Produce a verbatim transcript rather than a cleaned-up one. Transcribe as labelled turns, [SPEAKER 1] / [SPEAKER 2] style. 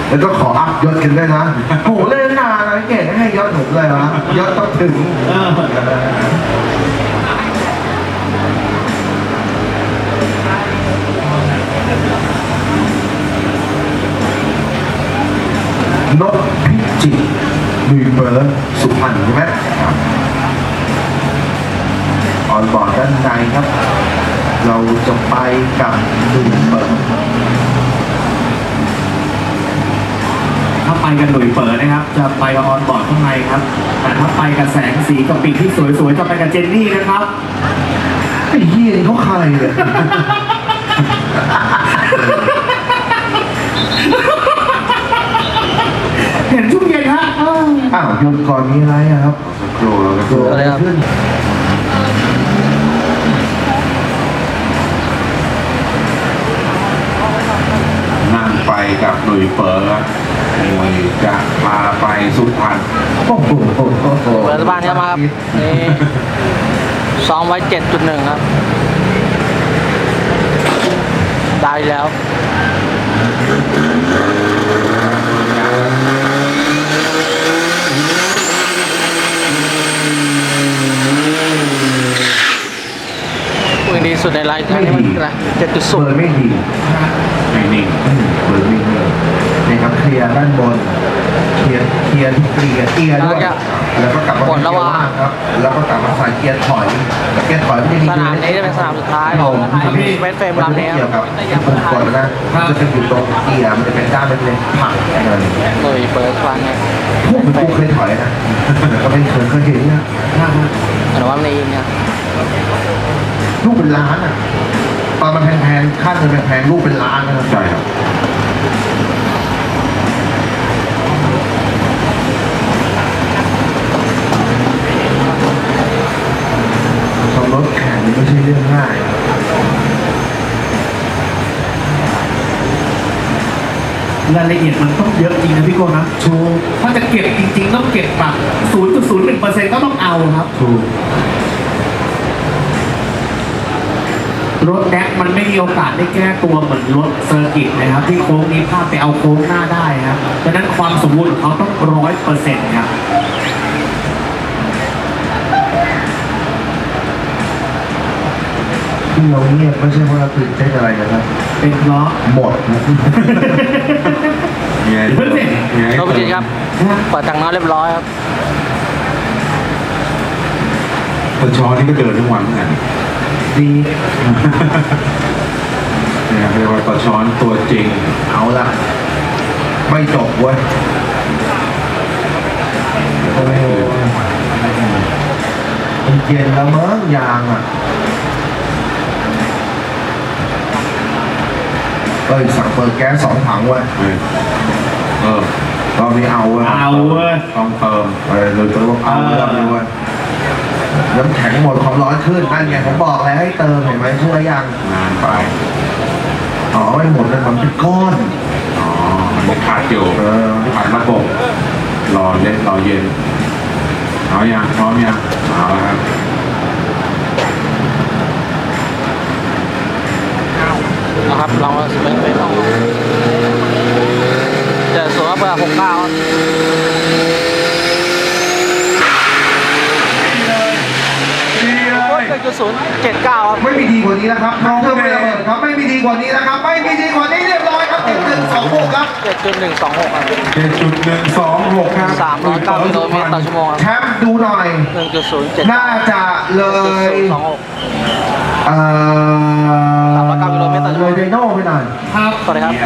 [SPEAKER 1] แล้วก็ขออัพยศกันด้วยนะโหเล่นนานนะเก่งให้ยศหนุกเลยวะยศต้องถึงนกพิจิตรลุยเบิร์ดสุพรรณใช่ไหมออนบอร์ดด้านในครับ เราจะไปกับลุยเบิร์ด
[SPEAKER 2] ถ้าไปกันหลุยเปิดนะครับจะไปกับออนบอร์ดข้างในครับแต่ถ้าไปกับแสงสีกับปีกที่สวยๆจะไปกับเจนนี่นะครับ
[SPEAKER 1] ไอ้เหี้ยนี่เขาใครเนี่ย
[SPEAKER 2] เห็นช่วงเย็นฮะ
[SPEAKER 1] อ้าวหยุดก่อนมีอะไรอะครับสักครู่แล้วก็ตัวอะไรขึ้น
[SPEAKER 3] นั่งไปกับหนุ่ยเปิร์หนุ่ยจะพาไปสุพรรณ
[SPEAKER 1] โอ้โห
[SPEAKER 4] เปิดสะพานเนี่ยมาครับนี่ซ้อมไว้เจ็ดจุดหนึ่งครับได้แล้วปืนดีสุดในไลน์นี่มันอะไรเจ็ดจุดศูนย์
[SPEAKER 1] ไม่ดี
[SPEAKER 3] ไม่นิ่ง
[SPEAKER 1] เบอร์ไม่นิ่งนะครับเคลียร์ด้านบนเคลียร์เคลียร์เคลียร์เคลียร์ด้วยแล้วก็กลับมาเกียร์ล่างครับแล้วก็กลับมาใส่เกียร์ถอยเกียร์ถอยไม่ได้ดี
[SPEAKER 4] สนามนี้จะเป็นสนามสุดท้ายของเวสเฟรมลำนี้ครับ
[SPEAKER 1] ผมกดนะจะเป็นอยู่ตรงเกียร์มันจะเป็นด้านเป็นเลยผักอะไร
[SPEAKER 4] หน่วยเปิดฟันเนี่ย
[SPEAKER 1] พวกมันกูเคยถอยนะก็ไม่เคยเคยเห็นนะ
[SPEAKER 4] แต่ว่ามันเองเนี่ย
[SPEAKER 1] ลูกเป็นล้านอ่ะตอนมันแพงๆค่าเงินแพงๆลูกเป็นล้านนะครับ
[SPEAKER 3] ใช่ครับ
[SPEAKER 1] ขับรถแข่งนี่ไม่ใช่เรื่องง่าย
[SPEAKER 2] รายละเอียดมันต้องเยอะจริงนะพี่โก้นะชูถ้าจะเก็บจริงๆต้องเก็บแบบ ศูนย์จุดศูนย์หนึ่งเปอร์เซ็นต์ ก็ต้องเอาครับ
[SPEAKER 1] ถูก
[SPEAKER 2] รถแดกมันไม่มีโอกาสได้แก้ตัวเหมือนรถเซอร์กิตนะครับที่โค้งนี้พลาดไปเอาโค้งหน้าได้ครับดังนั้นความสมบูรณ์ของเขาต้องร้อยเปอร์เซ็นต์ครับ
[SPEAKER 1] ที่เราเงียบไม่ใช่เพราะเราตื่นเต้นอะไรนะครับ
[SPEAKER 2] เป็นเพราะ
[SPEAKER 1] หมดนะ
[SPEAKER 3] เงี้ย
[SPEAKER 4] เงี้ยครับครับเปิดทางน้อยเรียบร้อยครับ
[SPEAKER 3] ตะชอนี่ก็เดินทั้งวันเหมือนกัน
[SPEAKER 1] ดี
[SPEAKER 3] เนี่ยเรียกว่าตะช้อนตัวจริง
[SPEAKER 1] เอาละไม่จบเว้ยโอ้โหมันเย็นแล้วมั้งยางอ่ะเอ้ยสั่งเปิดแก๊สสองถังเว้ย
[SPEAKER 3] เออ
[SPEAKER 1] รอบนี้เอาเว้ย
[SPEAKER 2] เอาเว้ย
[SPEAKER 3] ต้องเติม
[SPEAKER 1] เออเลยตัวว่าเอารอบนี้เว้ยน้ำแข็งหมดความร้อนขึ้นนั่นไงผมบอกแล้วให้เติมเห็นไหมเชื่อยัง
[SPEAKER 3] นานไป
[SPEAKER 1] อ๋อไม่หมดเลยมันเป็นก้อน
[SPEAKER 3] อ๋อมันขาดอยู่
[SPEAKER 1] เออ
[SPEAKER 3] ขาดระบบรอเล่นรอเย็นเอาอย่างพร้อมยังเอาแล้วครับ
[SPEAKER 4] นะครับลองไปไปลองจะสวมเบอร์หกเก้าศูนย์เจ็ดเก้า
[SPEAKER 1] ไม่มีดีกว่านี้นะครับน้องเธอไม่ระเบิดครับไม่มีดีกว่านี้นะครับไม่มีดีกว่านี้เรียบร้อยครับเจ็ดหนึ่งสองหกครับ
[SPEAKER 4] เจ็ดจุดหนึ่งสองหกครับ
[SPEAKER 3] เจ็ดจุดหนึ่งสองหกครับ
[SPEAKER 4] สามร้อยเก้ากิโลเมตรต่อชั่วโมงครับ
[SPEAKER 1] แชมป์ดูหน่อย
[SPEAKER 4] หนึ่งจุดศูนย์เจ็ด
[SPEAKER 1] น่าจะเลย
[SPEAKER 4] สองหก
[SPEAKER 1] เอ่อ
[SPEAKER 4] สามร้อยเก้ากิโลเมตรต่อชั่วโมง
[SPEAKER 1] เลยไดโน่ไปหน่อย
[SPEAKER 2] ครับ
[SPEAKER 4] สวัสดีครับ